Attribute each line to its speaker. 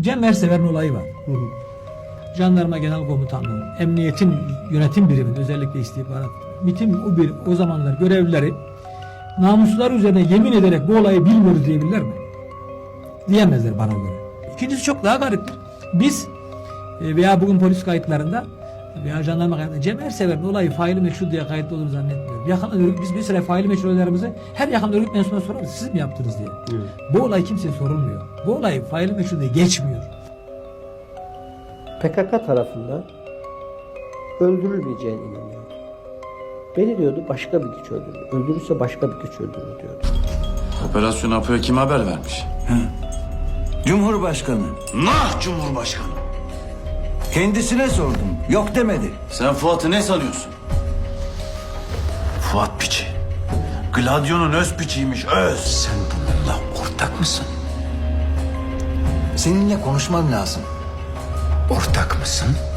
Speaker 1: Cem Ersever'in olayı var. Jandarma Genel Komutanlığı, Emniyetin Yönetim Biriminin özellikle istihbarat, MİT'in o zamanlar görevlileri namuslar üzerine yemin ederek bu olayı bilmiyoruz diyebilirler mi? Diyemezler bana göre. İkincisi çok daha gariptir. Biz veya bugün polis kayıtlarında veya jandarma kayıtlarında Cem Ersever'in olayı faili meçhul diye kayıtlı olduğunu zannetmiyorum. Biz bir süre faili meçhullerimizi her yakın örgüt mensubuna sorarız. Siz mi yaptınız diye. Evet. Bu olay kimseye sorulmuyor. Bu olay faili meçhul diye geçmiyor.
Speaker 2: PKK tarafından öldürülmeyeceğine inanıyordu. Beni diyordu başka bir güç öldürür. Öldürürse başka bir güç öldürür diyordu.
Speaker 3: Operasyonu APO'ya kim haber vermiş?
Speaker 4: Cumhurbaşkanı.
Speaker 3: Nah Cumhurbaşkanı.
Speaker 4: Kendisine sordum. Yok demedi.
Speaker 3: Sen Fuat'ı ne sanıyorsun? Fuat piçi. Gladio'nun öz piçiymiş, öz.
Speaker 4: Sen bununla ortak mısın? Seninle konuşmam lazım. Ortak mısın?